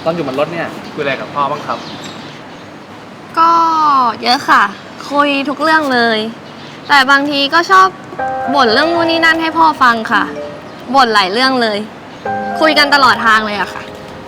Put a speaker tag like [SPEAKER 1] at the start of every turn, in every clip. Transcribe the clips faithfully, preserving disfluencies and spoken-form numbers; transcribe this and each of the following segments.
[SPEAKER 1] อนอยู่บนรถเนี่ยคุยอะไรกับพ่อบ้างครับ
[SPEAKER 2] ก็เยอะค่ะคุยทุกเรื่องเลย แต่บางทีก็ชอบบ่นเรื่องนู่นนี่นั่นให้พ่อฟังค่ะบ่นหลายเรื่องเลย คุยกันตลอดทางเลยอะค่ะ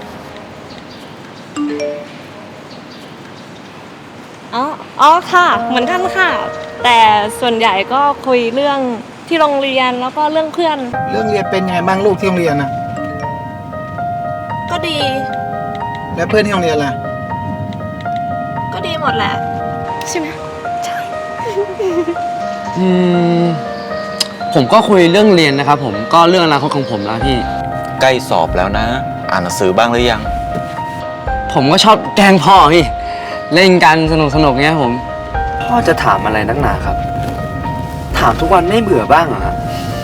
[SPEAKER 3] อ๋ออ๋อค่ะเหมือนกันค่ะแต่ส่วนใหญ่ก็คุยเรื่องที่โรงเรียนแล้วก็เรื่องเพื่อน
[SPEAKER 4] เรื่องเรียนเป็นยังไงบ้างลูกที่โรงเรียนนะ
[SPEAKER 3] ก็ดี
[SPEAKER 4] แล้วเพื่อนที่โรงเรียนล่ะ
[SPEAKER 3] ก็ดีหมดแหละใช่ไหมใช่
[SPEAKER 5] อืมผมก็คุยเรื่องเรียนนะครับผมก็เรื่องอนาคตของผมแล้วพี่
[SPEAKER 6] ใกล้สอบแล้วนะอ่านหนังสือบ้างหรือยัง
[SPEAKER 5] ผมก็ชอบแกล้งพ่อพี่เล่นกันสนุกสนุกเงี้ยผมพ่อจะถามอะไรนักหนาครับถามทุกวันไม่เบื่อบ้างเหรอครับ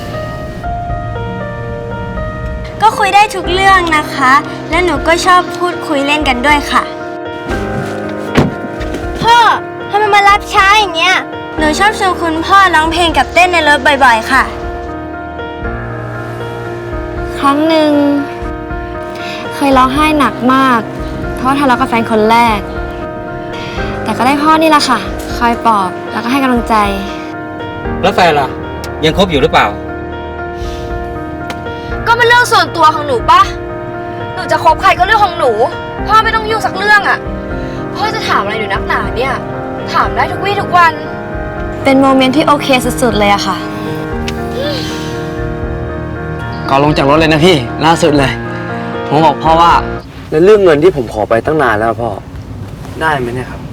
[SPEAKER 7] ก็คุยได้ทุกเรื่องนะคะและหนูก็ชอบพูดคุยเล่นกันด้วยค่ะพ่อทำไมมารับช้าอย่างเงี้ยหนูชอบชวนคุณพ่อร้องเพลงกับเต้นในรถบ่อยๆค่ะ
[SPEAKER 2] ครั้งหนึ่งเคยร้องไห้หนักมากเพราะทะเลาะกับแฟนคนแรกแต่ก็ได้พ่อนี่แหละค่ะคอยปลอบแล้วก็ให้กำลังใจ
[SPEAKER 8] แล้วแฟนล่ะยังคบอยู่หรือเปล่า
[SPEAKER 2] ก็เป็นเรื่องส่วนตัวของหนูปะหนูจะคบใครก็เรื่องของหนูพ่อไม่ต้องยุ่งสักเรื่องอ่ะพ่อจะถามอะไรหนูนักหนาเนี่ยถามได้ทุกวี่ทุกวันเป็นโมเมนต์ที่โอเคสุดๆเลยอะค่ะ
[SPEAKER 5] ก่อนลงจากรถเลยนะพี่ล่าสุดเลยผมบอกพ่อว่าแล้วเรื่องเงินที่ผมขอไปตั้งนานแล้วพ่อได้ไหมเนี่ยครับ